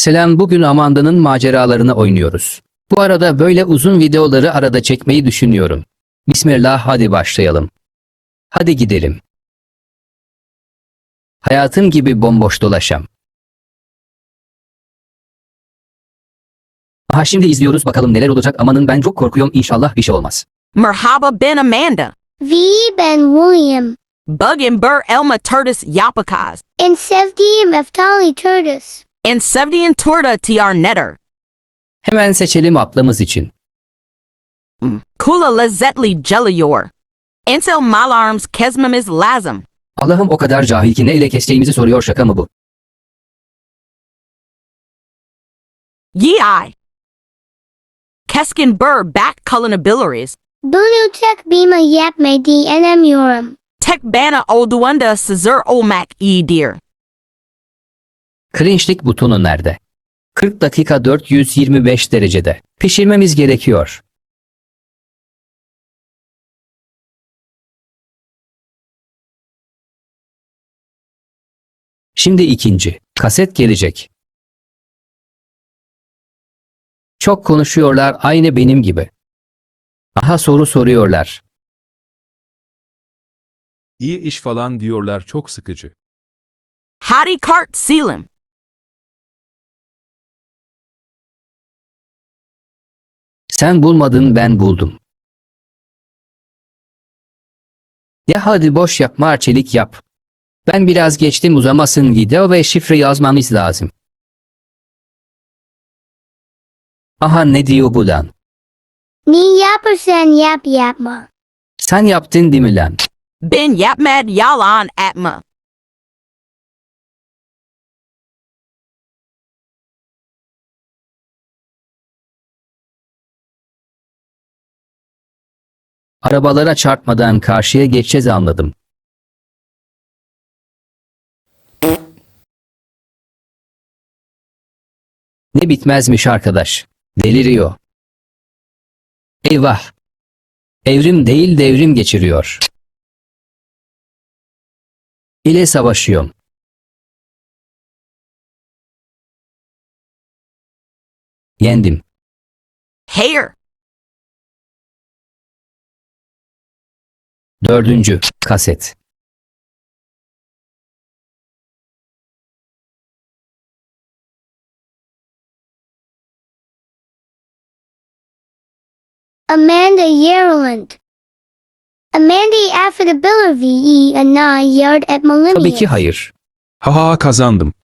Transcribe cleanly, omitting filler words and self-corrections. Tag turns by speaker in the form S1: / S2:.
S1: Selam, bugün Amanda'nın maceralarını oynuyoruz. Bu arada böyle uzun videoları arada çekmeyi düşünüyorum. Bismillah, hadi başlayalım. Hadi gidelim. Hayatım gibi bomboş dolaşam. Aha, şimdi izliyoruz, bakalım neler olacak. Amanın, ben çok korkuyorum, inşallah bir şey olmaz.
S2: Merhaba ben Amanda.
S3: V. Ben William.
S2: Bug and Burr Elma Turtis Yapakaz.
S3: And Sevdium Eftali Turtis.
S2: And Sevdian Torta Tr Netter.
S1: Hemen seçelim ablamız için.
S2: Kula Lezetli Jeliyor. Ansel Malarms Kesmemiz Lazım.
S1: Allah'ım, o kadar cahil ki ne ile keseceğimizi soruyor, şaka mı bu?
S2: Yei. Keskin Burr Back Culinabiliries.
S3: Bunu Tek Bima Yapme DNM Yorum.
S2: Tek Bana Olduenda Caesar Olmak Dear.
S1: Cringe'lik butonu nerede? 40 dakika 425 derecede. Pişirmemiz gerekiyor. Şimdi ikinci. Kaset gelecek. Çok konuşuyorlar, aynı benim gibi. Aha, soru soruyorlar.
S4: İyi iş falan diyorlar, çok sıkıcı.
S2: Hadi Kart Selim.
S1: Sen bulmadın, ben buldum. Ya hadi boş yapma, arçelik yap. Ben biraz geçtim, uzamasın video ve şifre yazmamız lazım. Aha, ne diyor bu lan?
S3: Ni Yappersen Yap Yapma.
S1: Sen yaptın değil mi lan?
S2: Ben Yapmad Yalan Atma.
S1: Arabalara çarpmadan karşıya geçeceğiz, anladım. Ne bitmezmiş arkadaş. Deliriyor. Eyvah. Evrim değil, devrim geçiriyor. İle savaşıyorum. Yendim.
S2: Hair.
S1: Dördüncü. Kaset.
S3: Amanda Yereland. Amanda Affidability VE Ana Yard at
S1: Tabii ki
S3: Millennium.
S1: hayır.
S4: Haha, kazandım.